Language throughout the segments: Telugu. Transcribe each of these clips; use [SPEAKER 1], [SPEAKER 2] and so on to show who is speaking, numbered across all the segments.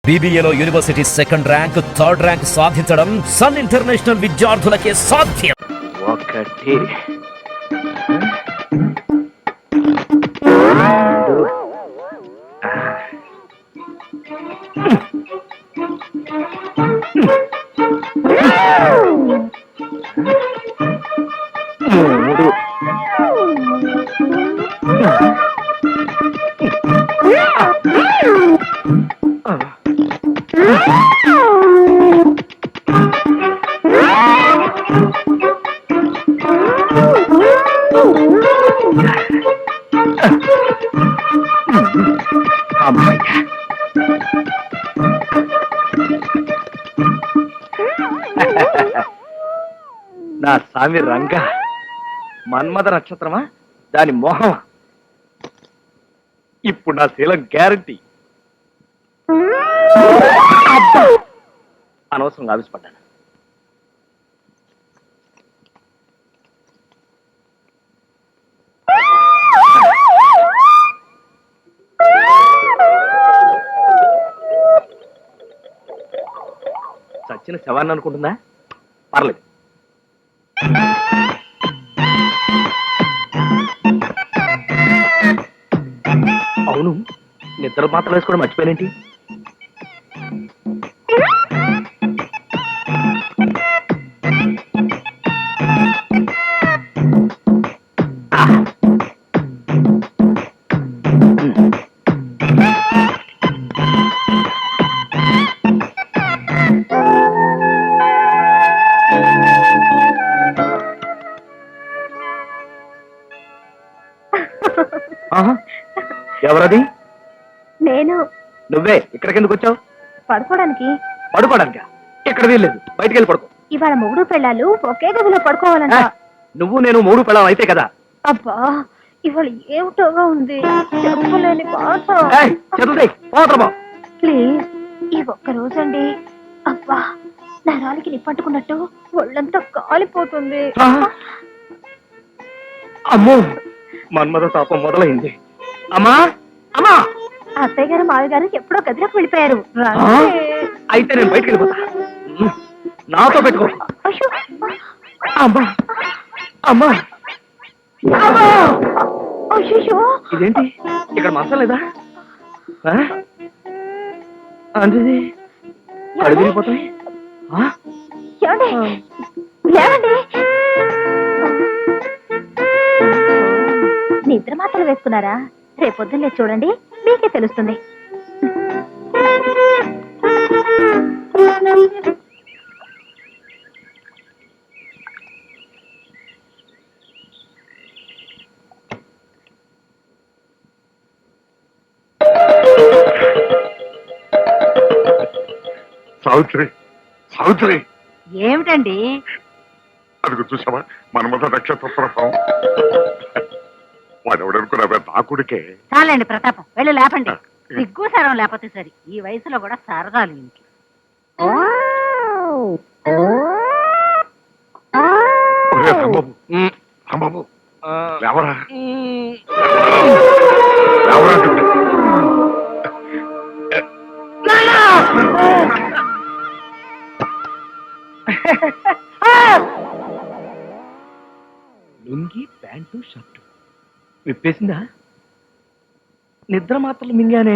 [SPEAKER 1] బీబీఏలో university second rank third rank సాధించడం సన్ ఇంటర్నేషనల్ విద్యార్థులకే సాధ్యం.
[SPEAKER 2] ఒకటి మూడు నా స్వామి రంగ మన్మథ నక్షత్రమా దాని మోహమా ఇప్పుడు నా శీలం గ్యారంటీ. అనవసరంగా ఆవిష్పడ్డాను. చచ్చిన శవాన్ని అనుకుంటుందా? పర్లేదు. అవును, నిద్ర మాత్రం వేసుకోవడం మర్చిపోయినేంటి? ఎవరది?
[SPEAKER 3] నేను.
[SPEAKER 2] నువ్వే ఇక్కడికి ఎందుకు వచ్చావు?
[SPEAKER 3] పడుకోవడానికి.
[SPEAKER 2] పడుకోవడానికా? ఇక్కడ వీల్లేదు, బయటికి వెళ్ళి పడుకో.
[SPEAKER 3] ఇవాళ మొగుడు పెళ్ళాలు ఒకే గదిలో పడుకోవాలంట.
[SPEAKER 2] నువ్వు నేను మూడు పెళ్ళం అయితే కదా.
[SPEAKER 3] అబ్బా, ఇవాళ ఏమిటోగా ఉంది, చెప్పలేని బాధ. ప్లీజ్, ఈ ఒక్క రోజండి. అబ్బా, నరాలకి నిప్పట్టుకున్నట్టు ఒళ్ళంతా కాలిపోతుంది.
[SPEAKER 2] అమ్మో, మన్మథ తాపం మొదలైంది. అమ్మా అమ్మా,
[SPEAKER 3] అత్తయ్య గారు మావి గారు ఎప్పుడో గదిలోకి వెళ్ళిపోయారు.
[SPEAKER 2] అయితే నేను బయటికి వెళ్ళిపోతా. నాతో పెట్టుకో. అమ్మా అమ్మా, ఇదేంటి ఇక్కడ మంచం లేదా? అంటే అడిగిపోతాయి.
[SPEAKER 3] నిద్ర మాత్రలు వేసుకున్నారా? రేపొద్దున్నే చూడండి, మీకే తెలుస్తుంది.
[SPEAKER 4] సావిత్రి, సావిత్రి,
[SPEAKER 3] ఏమిటండి?
[SPEAKER 4] అది చూసావా మన్మథ నక్షత్ర ప్రభావం? వాడెవడనుకున్నావే నా కొడుకే.
[SPEAKER 5] చాలండి ప్రతాపం, వెళ్ళి లేపండి. సిగ్గు సరం లేకపోతే సరి, ఈ వయసులో కూడా సరదాలు ఇంట్లో.
[SPEAKER 4] రాంబాబు, లేవరా లేవరా.
[SPEAKER 2] లుంగి, ప్యాంటు, షర్టు విప్పేసిందా? నిద్ర మాత్రలు మింగానే.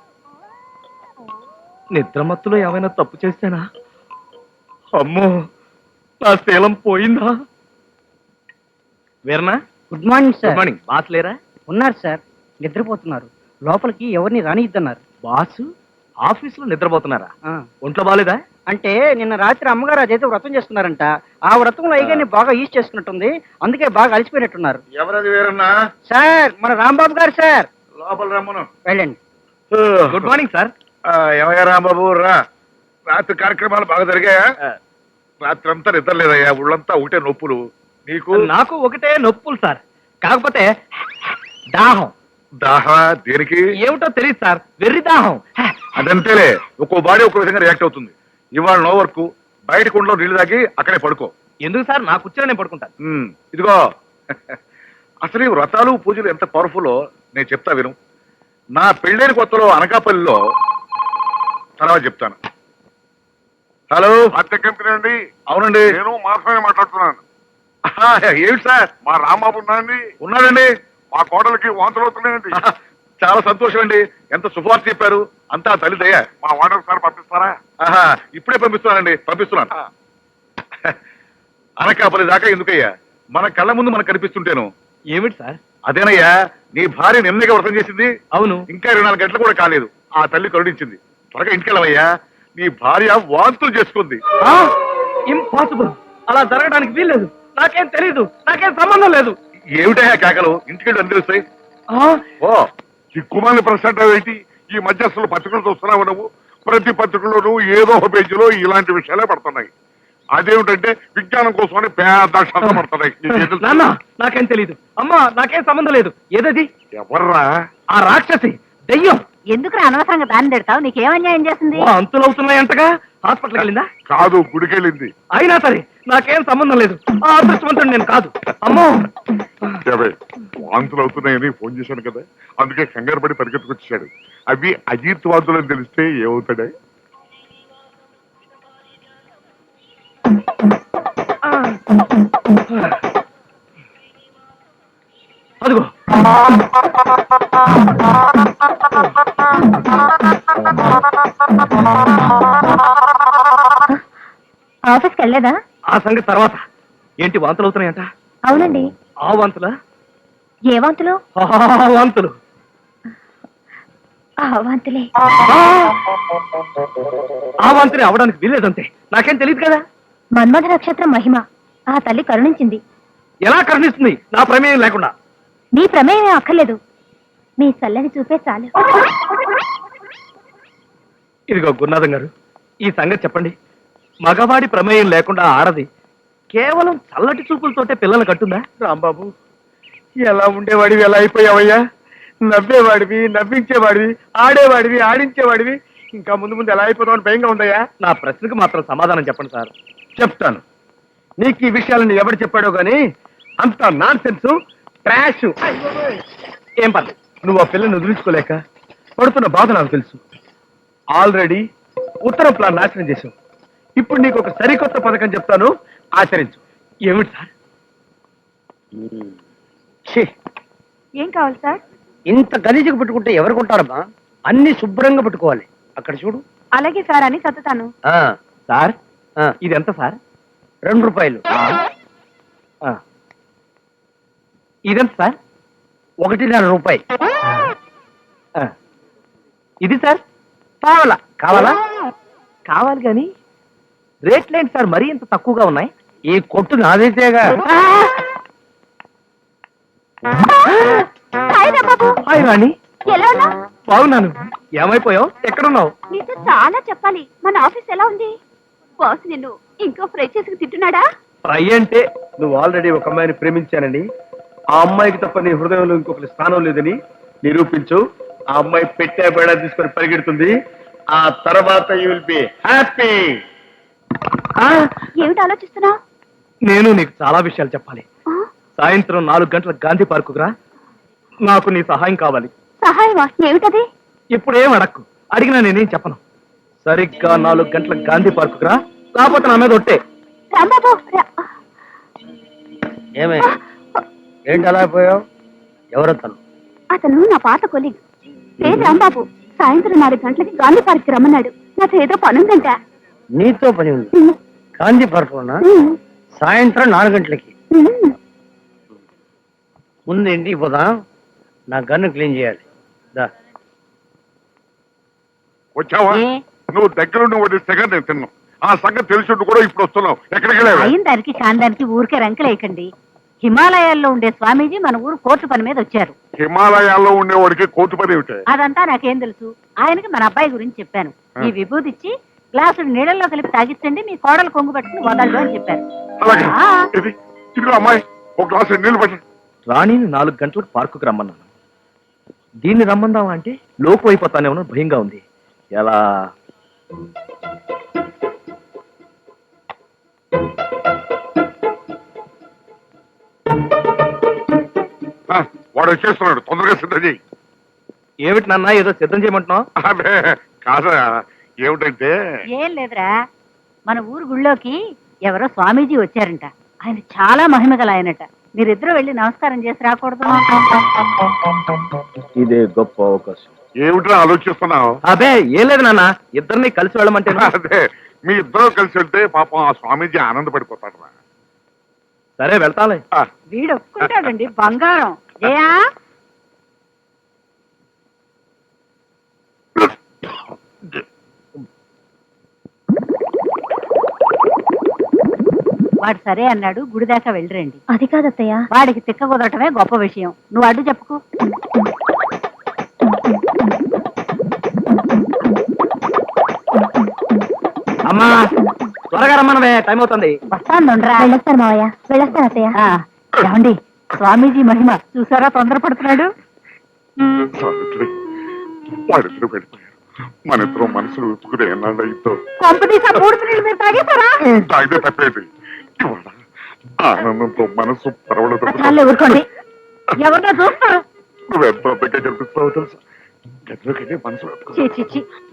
[SPEAKER 2] నిద్ర మత్తులో ఏమైనా తప్పు చేస్తానా? అమ్మో, నా శీలం పోయిందా? వీరనా,
[SPEAKER 6] good morning sir.
[SPEAKER 2] Good morning. Boss లేరా?
[SPEAKER 6] ఉన్నారు సార్, నిద్రపోతున్నారు. లోపలికి ఎవరిని రానిద్దన్నారు.
[SPEAKER 2] బాసు ఆఫీసులో నిద్రపోతున్నారా?
[SPEAKER 6] ఆ,
[SPEAKER 2] ఒంట్లో బాలేదా?
[SPEAKER 6] అంటే నిన్న రాత్రి అమ్మగారు అదైతే వ్రతం చేసుకున్నారంట. ఆ వ్రతంలో అయ్యగారిని బాగా ఈజ్ చేసుకున్నట్టుంది, అందుకే బాగా అలసిపోయినట్టున్నారు.
[SPEAKER 4] ఎవరది వేరన్నా?
[SPEAKER 6] సార్, మన రాంబాబు గారు సార్.
[SPEAKER 4] లోపల రమ్మను.
[SPEAKER 6] వెళ్ళండి.
[SPEAKER 2] Good morning sir.
[SPEAKER 4] ఏమయ్యా రాంబాబు, రా. రాత్రి కార్యక్రమాలు బాగా జరిగాయా? రాత్రి అంతా నిద్ర లేదయ్యా, ఊళ్ళంతా ఒకటే నొప్పులు. నీకు?
[SPEAKER 2] నాకు ఒకటే నొప్పులు సార్, కాకపోతే దాహం.
[SPEAKER 4] దాహా? దేనికి?
[SPEAKER 2] ఏమిటో తెలియదు సార్, వెర్రి దాహం.
[SPEAKER 4] అదంతేలే, ఒక్కో బాడీ ఒక్కో విధంగా రియాక్ట్ అవుతుంది. ఇవాళ నో వర్క్, బయట కుండలో నీళ్లు తాగి అక్కడే పడుకో.
[SPEAKER 2] ఎందుకు సార్? నా కూర్చొని నేను పడుకుంటాను.
[SPEAKER 4] ఇదిగో, అసలు ఈ వ్రతాలు పూజలు ఎంత పవర్ఫుల్లో నేను చెప్తా విను. నా పెళ్ళైన కొత్తలో అనకాపల్లిలో తర్వాత చెప్తాను. హలో,
[SPEAKER 7] హత్య కంపెనీ అండి.
[SPEAKER 4] అవునండి.
[SPEAKER 7] నేను మాత్రమే మాట్లాడుతున్నాను.
[SPEAKER 4] ఆహా, ఏమిటి సార్?
[SPEAKER 7] మా రాంబాబు ఉన్నాయండి.
[SPEAKER 4] ఉన్నాడండి.
[SPEAKER 7] మా కోడలికి వాంతులు అవుతున్నాయండి.
[SPEAKER 4] ఆహా, చాలా సంతోషం అండి. ఎంత శుభవార్త చెప్పారు. అంతా తల్లి దయ.
[SPEAKER 7] మా వార్డెన్ సార్ పంపిస్తారా?
[SPEAKER 4] ఆహా, ఇప్పుడే పంపిస్తున్నానండి. పంపిస్తున్నాను. అనకాపల్లి దాకా ఎందుకయ్యా? మన కళ్ళ ముందు మనకు కనిపిస్తుంటేను.
[SPEAKER 2] ఏమిటి సార్?
[SPEAKER 4] అదేనయ్యా, నీ భార్య నిన్నగా వ్రతం చేసింది.
[SPEAKER 2] అవును.
[SPEAKER 4] ఇంకా 24 గంటలు కూడా కాలేదు. ఆ తల్లి కరుణించింది. త్వరగా ఇంటికెళ్ళవయ్యా. నీ భార్య వాంతులు చేసుకుంది.
[SPEAKER 2] ఇంపాసిబుల్. అలా జరగడానికి వీల్లేదు. నాకేం తెలీదు. నాకేం సంబంధం లేదు.
[SPEAKER 4] ఏమిటయ్యా కేకలు? ఇంటికెళ్ళి అని తెలుస్తాయి. ఓ,
[SPEAKER 7] చిక్కుమాలి ప్రశ్న ఏంటి? ఈ మధ్య అసలు పత్రికలు చూస్తున్నావు నువ్వు? ప్రతి పత్రికలోనూ ఏదో ఒక పేజీలో ఇలాంటి విషయాలే పడుతున్నాయి. అదేమిటంటే విజ్ఞానం కోసమని పెద్ద అక్షరాలు పడుతున్నాయి. నీకేం తెలుసు?
[SPEAKER 2] నాన్న, నాకేం తెలీదు. అమ్మా, నాకేం సంబంధం లేదు. ఏదది?
[SPEAKER 7] ఎవర్రా?
[SPEAKER 2] ఆ రాక్షసి, దెయ్యం.
[SPEAKER 5] ఎందుకు అనవసరంగా దాన్ని తిడతావు? నీకేం అన్యాయం చేసింది?
[SPEAKER 2] అంతులు అవుతున్నాయంటగా. హాస్పిటల్కి వెళ్ళిందా?
[SPEAKER 7] కాదు, గుడికెళ్ళింది.
[SPEAKER 2] అయినా సరే నాకేం సంబంధం లేదు. ఆ అదృష్టవంతుడు నేను కాదు. అమ్మో,
[SPEAKER 7] ఏవే, వాంతులు అవుతున్నాయని ఫోన్ చేశాను కదా, అందుకే కంగారు పడి పరిగెత్తుకొచ్చాడు. అవి అజీత్ వాంతులు అని తెలిస్తే ఏమవుతాడే?
[SPEAKER 2] అదిగో.
[SPEAKER 3] ఆఫీస్కి వెళ్ళలేదా?
[SPEAKER 2] ఆ సంగతి తర్వాత. ఏంటి వాంతులు అవుతున్నాయంట?
[SPEAKER 3] అవునండి.
[SPEAKER 2] ఆ వాంతులా?
[SPEAKER 3] ఏ వాంతులు?
[SPEAKER 2] ఆ వాంతులు.
[SPEAKER 3] ఆ వాంతులే.
[SPEAKER 2] ఆ వాంతులే అవడానికి వీల్లేదంతే. నాకేం తెలియదు కదా.
[SPEAKER 3] మన్మథ నక్షత్రం మహిమ. ఆ తల్లి కరుణించింది.
[SPEAKER 2] ఎలా కరుణిస్తుంది నా ప్రమేయం లేకుండా?
[SPEAKER 3] మీ ప్రమేయమే అక్కర్లేదు. మీ చల్లని చూపే చాలు.
[SPEAKER 2] ఇదిగో గురునాథం గారు, ఈ సంగతి చెప్పండి. మగవాడి ప్రమేయం లేకుండా ఆడది కేవలం చల్లటి చూపులతోటే పిల్లలు కట్టుందా?
[SPEAKER 6] రాంబాబు, ఎలా ఉండేవాడివి ఎలా అయిపోయావయ్యా? నవ్వేవాడివి, నవ్వించేవాడివి, ఆడేవాడివి, ఆడించేవాడివి. ఇంకా ముందు ముందు ఎలా అయిపోతామని భయంగా ఉందయ్యా.
[SPEAKER 2] నా ప్రశ్నకు మాత్రం సమాధానం చెప్పండి సార్.
[SPEAKER 6] చెప్తాను. నీకు ఈ విషయాలను ఎవరు చెప్పాడో గానీ అంత నాన్ సెన్స్, ట్రాష్.
[SPEAKER 2] ఏం పర్లేదు.
[SPEAKER 6] నువ్వు ఆ పిల్లని వదిలించుకోలేక పడుతున్న బాధ నాకు తెలుసు. ఆల్రెడీ ఉత్తర ప్లాన్ నాశనం చేశావు. ఇప్పుడు నీకు ఒక సరికొత్త పథకం చెప్తాను, ఆచరించు.
[SPEAKER 2] ఏమిటి సార్?
[SPEAKER 3] ఏం కావాలి సార్?
[SPEAKER 6] ఇంత గలీజుగా పెట్టుకుంటే ఎవరు కొంటారమ్మా? అన్ని శుభ్రంగా పెట్టుకోవాలి. అక్కడ చూడు.
[SPEAKER 3] అలాగే సార్ అని చదువుతాను.
[SPEAKER 2] సార్, ఇది ఎంత సార్?
[SPEAKER 6] 2 రూపాయలు.
[SPEAKER 2] ఇదెంత సార్?
[SPEAKER 6] 1.5 రూపాయి.
[SPEAKER 2] ఇది సార్?
[SPEAKER 6] కావాలా? కావాలా?
[SPEAKER 2] కావాలి కానీ రేట్లేంటి సార్ మరీ ఇంత తక్కువగా ఉన్నాయి?
[SPEAKER 6] ఈ కొట్టు నాదైతేగా.
[SPEAKER 3] హాయ్ రాంబాబు.
[SPEAKER 2] హాయ్ రాణి,
[SPEAKER 3] ఎలా ఉన్నా?
[SPEAKER 2] బాగున్నాను. ఏమైపోయావు? ఎక్కడున్నావు?
[SPEAKER 3] నీతో చాలా చెప్పాలి. మన ఆఫీస్ ఎలా ఉంది? బాస్ నిన్ను ఇంకో ఫ్రై చేసి తింటున్నాడా?
[SPEAKER 2] ఫ్రై అంటే
[SPEAKER 6] నువ్వు ఆల్రెడీ ఒక అమ్మాయిని ప్రేమించానని, ఆ అమ్మాయికి తప్ప నీ హృదయంలో ఇంకొకరి స్థానం లేదని నిరూపించు. ఆ అమ్మాయి పెట్టే బేడా తీసుకొని పరిగెడుతుంది. ఆ తర్వాత యూ విల్ బి హ్యాపీ.
[SPEAKER 3] ఏమిటి ఆలోచిస్తున్నావు?
[SPEAKER 2] నేను నీకు చాలా విషయాలు చెప్పాలి. సాయంత్రం 4 గంటలకు గాంధీ పార్కుకు రా. నాకు నీ సహాయం కావాలి.
[SPEAKER 3] సహాయమా? ఏమిటది?
[SPEAKER 2] ఇప్పుడు ఏం అడక్కు. అడిగినా నేనేం చెప్పను. సరిగ్గా 4 గంటలకు గాంధీ పార్కుకు రా, లేకపోతే నా మీద ఒట్టే.
[SPEAKER 3] రాంబాబు
[SPEAKER 6] ఏమే, ఏంటి అలా అయిపోయావు? ఎవరతను?
[SPEAKER 3] అతను నా పాత కొలీగ్. పేరు రాంబాబు. సాయంత్రం 4 గంటలకి గాంధీ పార్క్ రమ్మన్నాడు. నాతో ఏదో పనుందంట.
[SPEAKER 6] నీతో పని ఉంది? గాంధీ పార్కులోనా? సాయంత్రం 4 గంటలకి. ముందు ఇంటికి పోదాం, నా గన్ను క్లీన్ చేయాలి. దా.
[SPEAKER 7] వచ్చావా? నువ్వు దగ్గరుండి వడ్డిస్తేగా నేను తిన్నాను. ఆ సంగతి తెలిసి కూడా ఇప్పుడు వస్తున్నావు. ఎక్కడికి వెళ్ళావు?
[SPEAKER 5] అయిన దానికి కాని దానికి ఊరికే రంకలేయకండి. హిమాలయాల్లో ఉండే స్వామీజీ మన ఊరు కోర్టు పని మీద వచ్చారు.
[SPEAKER 7] హిమాలయాల్లో ఉండేవాడికి కోర్టు పని ఏమిటే?
[SPEAKER 5] అదంతా నాకేం తెలుసు. ఆయనకి మన అబ్బాయి గురించి చెప్పాను. ఈ విభూతి ఇచ్చి గ్లాసుడు నీళ్ళల్లో కలిపి తాగిస్తండి, మీ కోడలు కొంగు పట్టుకుని వదలడు అని చెప్పారు.
[SPEAKER 7] అలాగే. ఇదిగో అమ్మాయి, ఒక గ్లాసు నీళ్ళు పట్టు.
[SPEAKER 2] రాణిని 4 గంటలకు పార్కుకు రమ్మన్నాను. దీన్ని రమ్మందావా అంటే లోపు అయిపోతానేమో భయంగా ఉంది. ఎలా?
[SPEAKER 7] వాడు వచ్చేస్తున్నాడు, తొందరగా సిద్ధం చేయి.
[SPEAKER 2] ఏమిటి నాన్న ఏదో సిద్ధం చేయమంటున్నావు?
[SPEAKER 7] అదే కాదా, ఏమిటంటే
[SPEAKER 5] ఏం లేదురా, మన ఊరు గుళ్ళోకి ఎవరో స్వామీజీ వచ్చారంట. ఆయన చాలా మహిమగల ఆయనట. మీరిద్దరూ వెళ్ళి నమస్కారం చేసి రాకూడదు?
[SPEAKER 6] ఇదే గొప్ప అవకాశం.
[SPEAKER 7] ఏమిటో ఆలోచిస్తున్నావు?
[SPEAKER 2] అబే ఏం లేదు నాన్న, ఇద్దరిని కలిసి వెళ్ళమంటే
[SPEAKER 7] అదే మీ ఇద్దరు కలిసి వెళ్తే పాపం ఆ స్వామీజీ ఆనందపడిపోతాడు రా.
[SPEAKER 2] సరే వెళ్తాలే.
[SPEAKER 5] వీడు ఒప్పుకుంటాడండి బంగారం. జయా, వాడు సరే అన్నాడు, గుడి దాకా వెళ్ళిరండి.
[SPEAKER 3] అది కాదత్తయ్య.
[SPEAKER 5] వాడికి తిక్క కుదరటమే గొప్ప విషయం. నువ్వు అడ్డు చెప్పుకో.
[SPEAKER 2] అమ్మా త్వరగా రమ్మనవే, టైం అవుతుంది.
[SPEAKER 5] వస్తాను
[SPEAKER 3] వెళ్ళొస్తాను మావయ్య, వెళ్ళొస్తాను అత్తయ్య.
[SPEAKER 5] ఏమండి, స్వామీజీ మహిమ చూసారా, తొందరపడుతున్నాడు.
[SPEAKER 7] సావిత్రి, వాడిద్దరు వెళ్ళిపోయారు. మన ఇద్దరు మనసులు ఉప్పుకునే ఎన్నాళ్ళు ఇద్దరు
[SPEAKER 5] పంపదీసా మూడు నీళ్ళు మీరు తాగేశారా?
[SPEAKER 7] తాగితే తప్పేది. ఇవాళ ఆనందంతో మనసు పరవడదు.
[SPEAKER 5] చాలే ఊరుకోండి, ఎవరినో చూస్తారు.
[SPEAKER 7] నువ్వెంతో అందంగా కనిపిస్తావు తెలుసా. గదిలోకి వెళ్ళి మనసు
[SPEAKER 5] చీ, చీ, చీ.